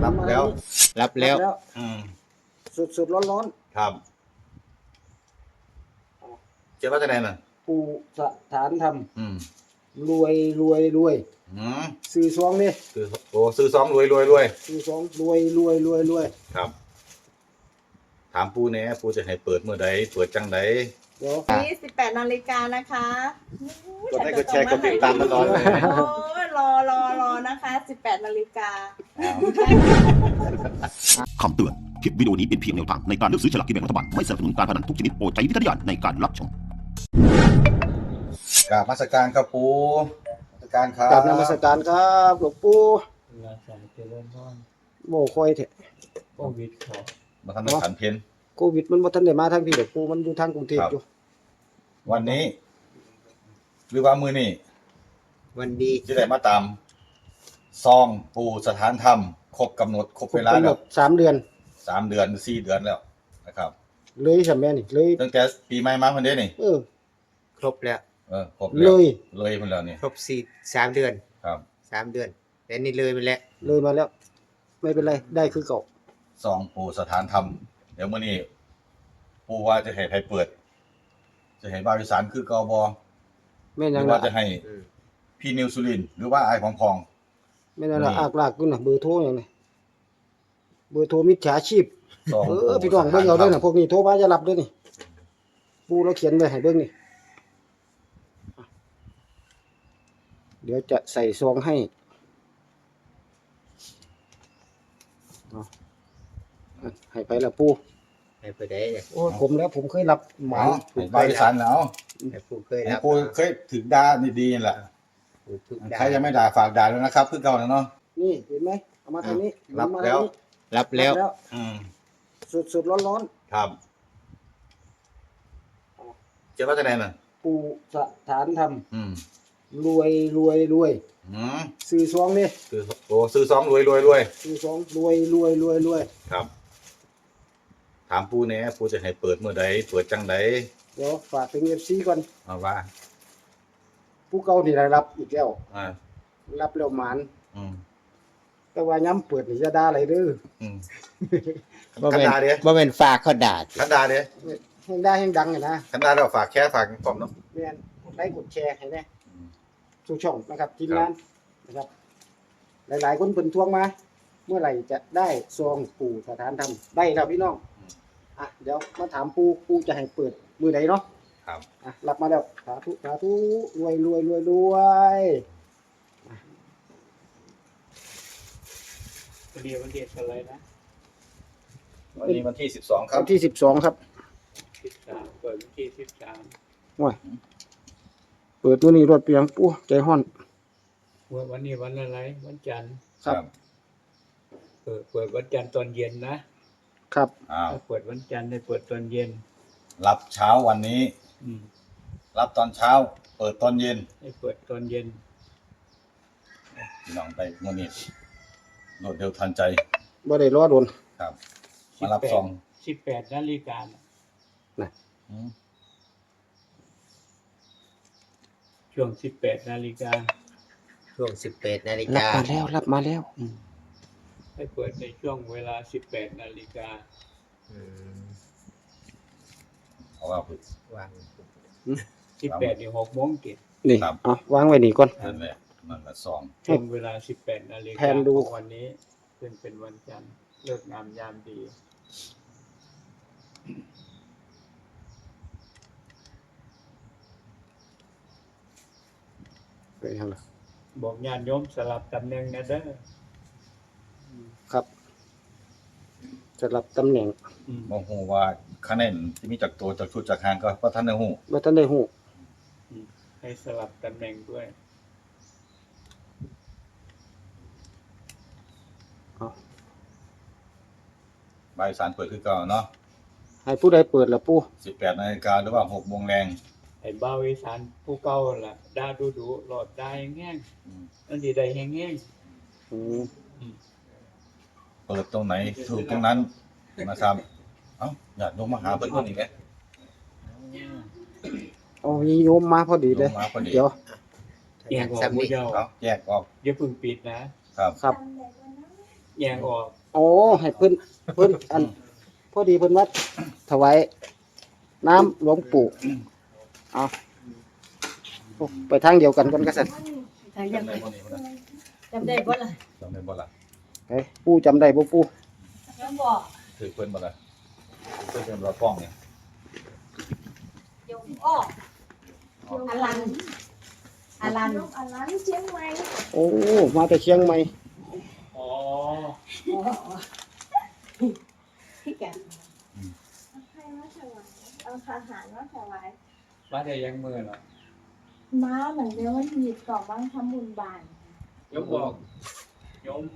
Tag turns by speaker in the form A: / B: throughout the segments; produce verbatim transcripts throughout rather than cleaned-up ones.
A: รับแล้ว
B: รับแล้ว
A: อืม
C: สดสดร้อนร้อน
A: ครับเจ้าว่าจะไหนน่ะ
C: ปู่สถานธรรม
A: อืม
C: รวยรวยรวย
A: อืม
C: ซื้อซองนี่
A: ซื้อโอ้ซื้อซองรวยรวยรวย
C: ซื้อซองรวยรวยรวยรวย
A: ครับถามปูแหน่ปูจะให้เปิดเมื่อใดเปิดจังใด
C: เดี๋ยว
D: นี้สิบแปดนาฬิกานะคะ
A: กดไลค์กดแชร์กดติดตามตลอดเลย
D: โอ้ยรอรอรอนะคะสิบแปดนาฬิกา
E: คำเตือน คลิปวิดีโอนี้เป็นเพียงแนวทางในการเลือกซื้อฉลากกินแบ่งรัฐบาล ไม่สนับสนุนการพนันทุกชนิดโปรดใช้วิจารณญาณในการรับชม
A: กราบนมัสการครับปูนมัสการครับ
C: กราบนมัสการครับหลวงปู่
F: ราชาเจริญพร
C: โม่คอยเถอะ
F: โควิดเขา
A: มาทำในขันเพน
C: โควิดมันบ่ทันได้มาทางพี่หลวงปู่มันอยู่ทางกรุงเทพอยู่
A: วันนี้ หรือว่ามือนี่
B: วันดี
A: จะได้มาตามซองปูสถานธรรมครบกำหนดครบเวลา
C: ครบกำหน
A: แล้ว
C: ดสามเดือน
A: สามเดือนสี่เดือนแล้วนะครับ
C: เลยใช่ไหมนี่เลย
A: ตั้งแต่ปีใหม่มาคนเดียวนี่
C: เออ
B: ครบแล้ว
A: เออครบ
C: เล
A: แล้ว
C: ย
A: เลยคนแล้วนี่
B: ครบสี่สามเดือน
A: ครับ
B: สามเดือนแต่นี่เลยไปแล้ว
C: เลยมาแล้ว ไม่เป็นไรได้คือเก่า
A: ซองปูสถานธรรมเดี๋ยวมื้อนี้ปูว่าจะให้ใครเปิด จะให้บาวอีสานคือกบ
C: แม่
A: ห
C: ยั
A: รื
C: ง
A: อ
C: ละ
A: ว่าจะให้
B: อืม
A: พี่นิวสุรินทร์หรือว่าไอ้ของพอง
C: แม่ยังละ
A: นี่
C: อากลากอยู่น่ะเบอร์โทรอย่างนี้เบอร์โทรมิจฉาชีพ
A: ซอง
C: เอ
A: ปู
C: อพี่น้องเบิ่งเอาเด้อน่ะพวกนี้โทรมาจะรับเด้อนี่ปู่เราเขียนไว้ให้เบิ่งนี่เดี๋ยวจะใส่ซองให้เอาให้ไปละปู่
B: ให้ผู้ใดเนี่ย
C: โอ้ยผมแล้วผมเคยรับห
A: ห
C: มา
A: มาให้บาวอีสานแล้ว
B: ให้ผู้เคย
A: ให้
B: รับ
A: ปูเคยถึงด่านี่ดีนั่นแหละ
B: ผู้ทุก
A: ใครยังไม่ด่าฝากด่าแล้วนะครับคือเก่าแล้วเนาะ
C: นี่เห็นไหมเอามาทางนี้
A: รับ
C: มา
A: แล้ว
C: ทางนี้
B: รับแล้ว
C: รับแล้ว
A: อืม
C: สดสดร้อนร้อน
A: ครับเจ้าว่าจะไหนน่ะ
C: ปู่สถานธรรม
A: อืม
C: รวยรวยรวย
A: อืม
C: ซื้อซองนี่
A: ซื้อโอ้ซื้อซองรวยรวยรวย
C: ซื้อซองรวยรวยรวยรวย
A: ครับ ถามปูแหน่ปูจะให้เปิดเมื่อใดเปิดจังใด
C: เดี๋ยวฝากถึง เอฟ ซี ก่อน
A: เอาว่า
C: ผู้เก่านี่ได้รับอีกแล้ว
A: อ่า
C: รับแล้วหมาน
A: อืม
C: แต่ว่าย้ำเปิดนี่จะด่าอะไรเด้อ
A: อืม
B: บ่
A: คัน
B: แม่น
A: ดาเด้
B: บ่แม่นฝากเขาด่า
A: คันดาเด้
C: แห่งด่าแห่งดังอ่ะนะ
A: คันดาเราฝากแค่ฝากกล่อมเนาะ
C: แม่นกดไลค์กดแชร์ให้แน่
A: อืม
C: สู่ช่องนะครับทีม
A: ครับ
C: งานนะครับ หลายๆคนเพิ่นทวงมา เมื่อไหร่จะได้ซองปู่สถานธรรมได้แล้วพี่น้องอ่ะเดี๋ยวมาถามปู่ปู่จะให้เปิดมือใดเนาะ
A: ครับ
C: อ่ะรับมาแล้วสาธุสาธุรวยรวยรวยรวย
F: วันเดียววันเดียวอะไรนะ
A: วันนี้วันที่สิบสองครับ
C: วันที่สิบสองครับ
F: สิบสามเปิดวันที่สิบสาม
C: ว้ยเปิดตัวนี้รถเปียงปู่ใจห้อน
F: วันนี้วันอะไรวันจันทร์
C: ครับ
F: เปิดเปิดวันจันทร์ตอนเย็นนะครับ
A: อ้าว
F: ถ้าเปิดวันจันทร์ได้เปิดตอนเย็น
A: รับเช้าวันนี้
F: อืม
A: รับตอนเช้า เปิดตอนเย็น
F: ให้เปิดตอนเย็น
A: พี่น้องไปมื้อนี้รวดเร็วทันใจ
C: บ่ได้รอโดน
A: ครับ มารับซอง
F: สิบแปดนาฬิกาน่ะ
A: อืม
F: ช่วงสิบแปดนาฬิกา
B: ช่วงสิบแปดนาฬิ
C: รับ
B: กา
C: มาแล้วรับมาแล้ว
F: ให้เปิดในช่วงเวลาสิบแปดนาฬิกา
B: อืม
A: เพราะว่าเพิ่น
B: วาง
F: สิบแปดถึงหกโมงเจ็ด
C: นี่
A: ครับ
C: เอาวางไว้นี่ก่อน
A: นั่นแหละนั่นแหละซอง
F: ช่วงเวลาสิบแปดนาฬิกา
C: แผนดู
F: ของวันนี้เป็นเป็นวันจันทร์เลิกงามยามดี
C: ไปทางละ
F: บอกญาติโยมสลับตำแหน่งนะเด้อ
C: ครับสลับตำแหน่ง
F: อืม
A: บ่ฮู้ว่าคะแนนที่มีจากตัวจากชุดจากหางก็บ่ทันได้ฮู้
C: บ่ทันได้ฮู้
F: ให้สลับตำแหน่งด้วย
A: บายสารเปิดคือเก่าเนาะ
C: ให้ผู้ใดเปิดล่ะปู่
A: สิบแปดนาฬิกาหรือว่าหกโมงแรง
F: ไอ้บ่าวอีสานผู้เก่าล่ะด่าดูดูหลอดได้แห้ง
A: อืม
F: ๆอันนี้ได้แห้ง
C: อืม
A: เปิดตรงไหนถูกตรงนั้นนะครับเอ้าญาติโยมมาหาเพิ่นคนนี้แหละ
C: เอามีโยมมาพอดีเลย
A: โยมมาพอดี
C: เดี๋ยว
F: ๆแยกออกหมู่เจ้า
A: เอาแยกออก
F: อย่าเพิ่งปิดนะ
A: ครับ
C: ครับ
F: แยงออก
C: โอ้ให้เพิ่นเพิ่นอันพอดีเพิ่นว่าถวายน้ำหลวงปู่เอาโอ้ไปทางเดียวกันก่อนก็สั่น
D: ทาง
A: จำ
D: ยัง
A: ได้บ่นี่พุ่นน่ะ
D: จำได้บ่ล่ะ
A: จำได้บ่ล่ะ
C: ไปปู่จำได้บ่ปู่
D: ยังบอก
A: ถือเพิ่นบ่ล่ะเพิ่นเป็นเราป้องนี่
D: ยงอ้ออลันอลันอลันเชียงใหม่
C: โอ้มาแต่เชียงใหม่
F: อ๋อ
D: พี่แกให้มาถวายเอาอาหารมาถวาย
F: มาได้ยังมือเหรอ
D: ม้าเหมือนเดิมวันหยิบกล่องบ้างทำบุญบาน
F: โยมบอกโยม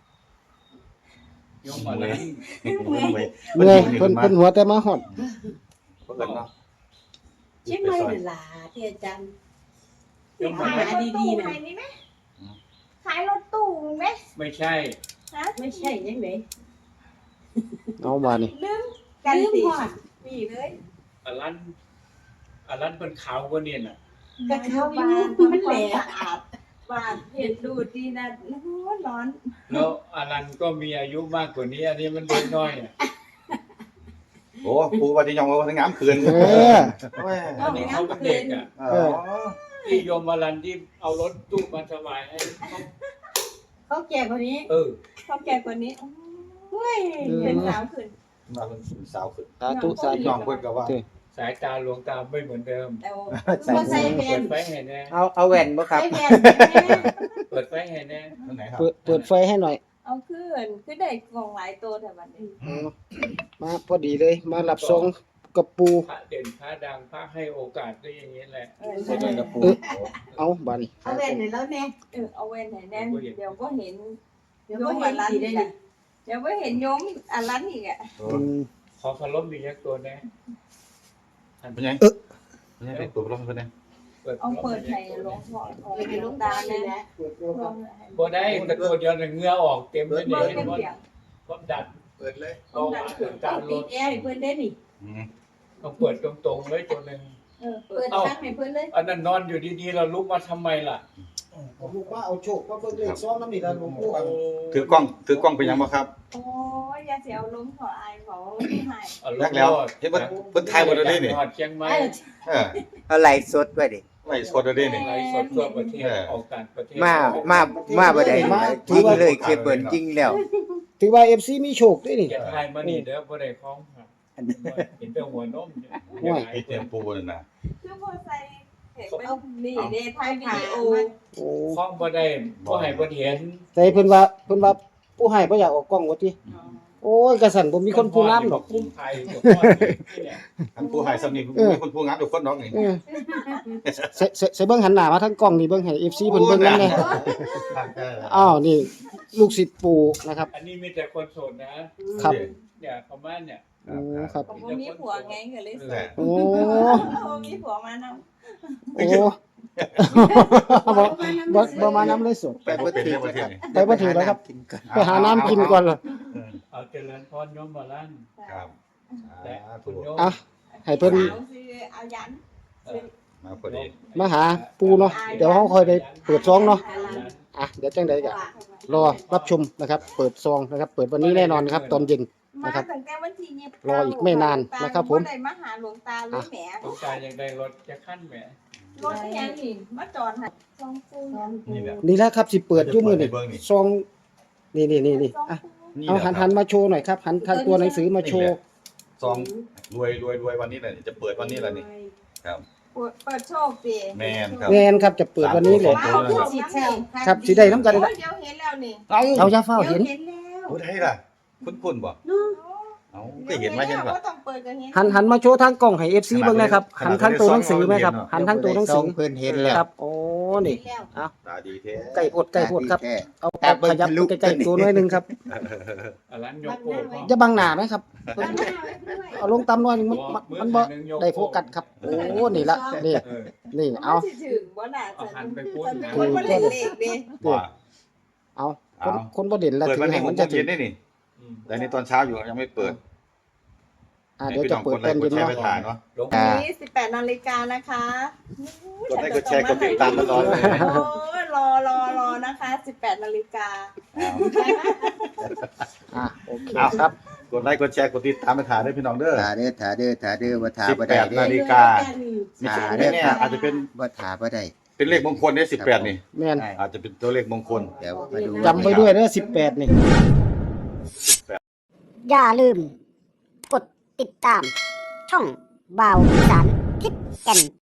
F: โยมอะไร
A: เพิ่นไป
C: เมื่อยเพิ่นเพิ่นหัวแต่มาฮอด
A: เพิ่นเนาะ
G: เชียงใหม่เวลาที่อาจารย์
F: โยม
D: ขาย
F: อะไร
D: รถตู้ไหนนี่ไหมขายรถตู้ไหม
F: ไม่ใช่
D: ฮะ
G: ไม่ใช่ยังไง
C: เอาบาดนี่
D: ลืมกัน
G: ลืม
D: สิ
G: พอด
D: ปีเลย
F: อลันอลันเป็นขาวกว่านี่น่ะ
G: กระเขาอยู่
D: บ้าน
G: มันแหล
D: ทำความสะอาดบ้านเห็ดดูดดีนะร้อนร้อน
F: แล้วอลันก็มีอายุมากกว่านี้ อันนี้มันเด็กน้อยอ่ะ
A: โอ้ปูว่าที่ยองว่าทั้งงามคืน
C: เออ
A: แม่
F: อันนี้เขาเป็นเด็กอ่ะ
A: เออ
F: ที่โยมอลันที่เอารถตู้มาถวายให้เขา
G: เขาแก่กว่านี้
F: เออ
D: เขาแก่กว่านี้เฮ้ยเป็นสาวขึ้น
A: มาเป็นสาวขึ้น
C: สาธุสาธุ
A: ยองเพิ่นก็ว่า
F: สายตาหลวงตาไม่เหมือนเดิม
D: แต่ว่า
G: บ่ใส่แว่
F: เปิ
G: น
F: ดไฟให้แน่
B: เอาเอาแว่นบ่ครับ
G: ใส่แว่น
F: เปิดไฟให้แน่
A: นั่นไหนครับ
C: เปิดเปิดไฟให้หน่อย
D: เอาขึ้นคือได้กล่องหลายตัวแต่วันนี้
C: เอามาพอดีเลยมารับทรงกับปู
F: พระเด่นพระดังพระให้โอกาสได้อย่างนี้แหละ
D: เออ
A: ใส่ด้วยกับปู
C: เอาบาดนี่
G: เอาแว่นให้แล้วแน่
D: เออเอาเว้นไหนแน่นเดี๋ยวก็เห็น
G: เดี๋ยวบ่เห็นสิได้นี่
D: เดี๋ยวก็เห็นโยมอันนั้นอีกอ่ะ
C: อืม
F: ขอพลบมียักตัวแน่
A: เป็นไงเป็นไงตัวลงเพิ่นเนี่ย
F: เปิด
D: เอาเปิดให้หลวงพ่อของหลวงตาเนี่ย
C: เปิดแล้วครับ
F: บ่ได้กระตัวเดียวน่ะเหงื่อออกเต็มเลย
D: เปิ
F: นี่
D: ด
F: เห็น
D: เป็น
F: บ่
D: เสียง
F: ความดัน
A: เปิดเลย
F: เอาหลวงตาล
G: ติด
F: ด
G: แอร์ให้เพิ่นได้นี่
A: อืม
F: ต้องเปิดตรงๆเลยตัวหนึง
D: เออเปิดตั้งให้เพื่อนเลย
F: อันนั้นนอนอยู่ดีๆเราลุกมาทำไมล่ะ
C: ลูกมาเอาโชคมาเบิ่งเลขซองน้ำนี่ล่ะหลวงปู่
A: ถือกล้องถือกล้องเป็นยังบ่ครับ
D: โอ้ยอย่าเสียเอาล้มขออายขอไม่ให้
F: เอา
A: แรกแล้วเฮ็ดเพิ่นเพิ่นถ่ายบ่ได้นี่
F: จังหวัดเชียงใหม่
G: เออ
A: เออ
B: เอาไลฟ์สดไว้ดิ
A: ไล่สดได้นี่
F: ไลฟ์สดทั่วประเทศออกต่างประเทศ
B: มามามาบ่ได้จริงเลยคือเปิดจริงแล้ว
C: ถือว่า เอฟ ซี มีโชคด้วยนี่
F: อย่าทายมานี่เด้อบ่ได้ของครับเห็นแต่หัวนมเนี่ย
C: โอ้ย
A: ไอ้เตรียมปูนั่นน่ะ
D: คือพอใส่เห็นเป็นนี่เดทายวิดีโอ
C: โอ้
F: ของบ่ได้บ่ให้บ่เห็น
C: แต่เพิ่นว่าเพิ่นว่าผู้ให้บ่อยากออกกล้องว่าติโอ้ยกระสันบ่มีคนผู้งามดอก
F: คุ้มไทยกับพ่อนี่เนี่ย
A: อันปูหายซ้ำนี่มีคนปูงามทุกคนดอกนี่
C: เออใส่ใส่ใส่เบิ่งหันหน้ามาทางกล้องนี่เบิ่งให้ เอฟ ซี เพิ่นเบิ่งนำแน่อ้าวนี่ลูกศิษย์ปู่นะครับ
F: อันนี้มีแต่คนโสดนะครับ เนี่ยประมาณเนี่ย
C: โอ้ครับ
D: ผมมีผัวไงก็เลยสวย
C: โอ้
D: ผมมีผัวมาน
C: โอ้บ่บ่บ่มานำเลยสด
A: ไปบ่เป็นในประเทศนี่
C: ไปบ่ถือแล้วครับ
B: กินก่อน
C: ไปหาน้ำกินก่อนเลย
F: เอาเจริญพรโยมบ่ลั่น
D: ำ
A: ครับ
F: และคุณโยม
C: อ่ะให้เพิ่น
D: สาวซื้อเอายัน
A: มาพอดี
C: มาหาปู่เนาะเดี๋ยวเฮาค่อยได้เปิดซองเนาะอ่ะเดี๋ยวจังได๋ก็รอรับชมนะครับ เปิดซองนะครับ เปิดวันนี้แน่นอนครับ ตอนเย็น
D: มา
C: นะครับ
D: ตั้งแต่วันที่ยี่สิบ
C: รออีกไม่นานนะครับผม
D: ได้มาหาหลวงตาเลยแหม
F: ต้องการอย่างใดรถจะขั้นแหม
D: รถยังนี่มาจอดให้ซองปู
A: นี่แหละ
C: นี่แหละครับสิเปิดอยู่มื้อนี้
A: เบิ่งนี่
C: ซองนี่นี่นี่นี่อ่ะ
A: นี่
C: เอา
A: แหละ
C: หันหันมาโชว์หน่อยครับ หันทางตัวหนังสือมาโชว์
A: ซองรวยรวยรวยวันนี้แหละจะเปิดวันนี้แหละนี่ครับ
D: เปิดโชคสิ
A: แม่นครับ
C: แม่นครับจะเปิดวันนี้เลย
A: สามตัว
G: สิแซว
C: ครับสิได้น้ำกัน
D: โอ้
C: เลย
D: ยเดี๋ยวเห็นแล้วนี่
A: เอ้า
C: เอาอย่าเฝ้าเห็น
D: เห็นแล้ว
A: ผู้ใดล่ะคุ้นๆบ่เอ้าก็เห็นมาเห็นบ่
D: ก็ต้องเปิดกันเห็น
C: หันหันมาโชว์ทางกล้องให้ เอฟ ซี เบิ่งนะครับ หันทางตัวหนังสือไหมครับ หันทางตัวหนัง
B: ซ
C: สื
B: อง
C: อ
B: เพิ่นเห็นแล้ว
C: ครับโอ้นี่
G: แล้ว
A: ตาดีแท้
C: ไก่พดไก่พดครับ
B: แท้
C: เอาเอาขยับไปใกล้ๆตัวหน่อยหนึงครับ
F: อลันยกโป้พ่อ
C: อย่าบังหน้าไหมครับ
G: บ้านหน้าไว้ด้วย
C: เอาลงต่ำหน่อยหนึงมันมันมันบ่ได้โฟกัสครับ โอ้นี่ละนี่
F: เออ
C: นี่เอา
D: มันสิถึงบ่น่า
F: เอา
D: จะ
F: หันไปพูด
D: จะเป็นคนบ่เล่นเลขเด้
A: ว่า
C: เอาคนคนบ่เด่นละ
A: เปิด
C: ถื
A: วัน
C: อ
A: นี้
C: ให้
A: ห
C: มั
A: ก
C: น
A: โม
C: จะ
A: ง
C: ถึ
A: เย็
C: ง
A: นได้นี่
F: อืม
A: แต่ในตอนเช้าอยู่ยังไม่เปิด
C: อ่า
A: ให้
C: เดี๋ยว
A: พี่
C: จะ
A: น้อง
C: เปิ
A: ก
C: ด
A: ดไล
C: ตอน
A: ค์ก
C: เย็
A: ด
C: น
A: แชร์
C: เนาะ
A: ไปถ่ายเนาะ
B: อ่า
G: วันนี้สิบแปดนาฬิกานะคะ
A: กดไลค์กดแชร์กดติดตามตลอดเลย
G: โอ้ยรอรอรอนะคะสิบแปดนาฬิกา
C: อ่าโอเค
A: เอา
C: ครับ
A: กดไลค์กดแชร์กดติดตามไปถ่ายด้วยพี่น้องเด้อ
B: ถาเด้อถาเด้อถาเด้อบ่ถา
A: สิบ
B: บ่
A: แป
B: ได้
A: ด
B: เด้
A: นา
B: อ
A: ฬิกา ไม่
B: อ่า
A: ใช่
B: เด้
A: ไม่
B: อ
A: แน่
B: ครับ
A: อาจจะเป็น
B: บ่ถาบ่ได้
A: เป็นเลขมงคลเนี่ยสิบแปดนี่
C: แม่น
A: อาจจะเป็นตัวเลขมงคล
B: เดี๋ยวมาดู
C: จำไว้ด้วยเด้อสิบแปดนี่
H: อย่าลืม กดติดตาม ช่องบ่าวอีสานทิศแก่น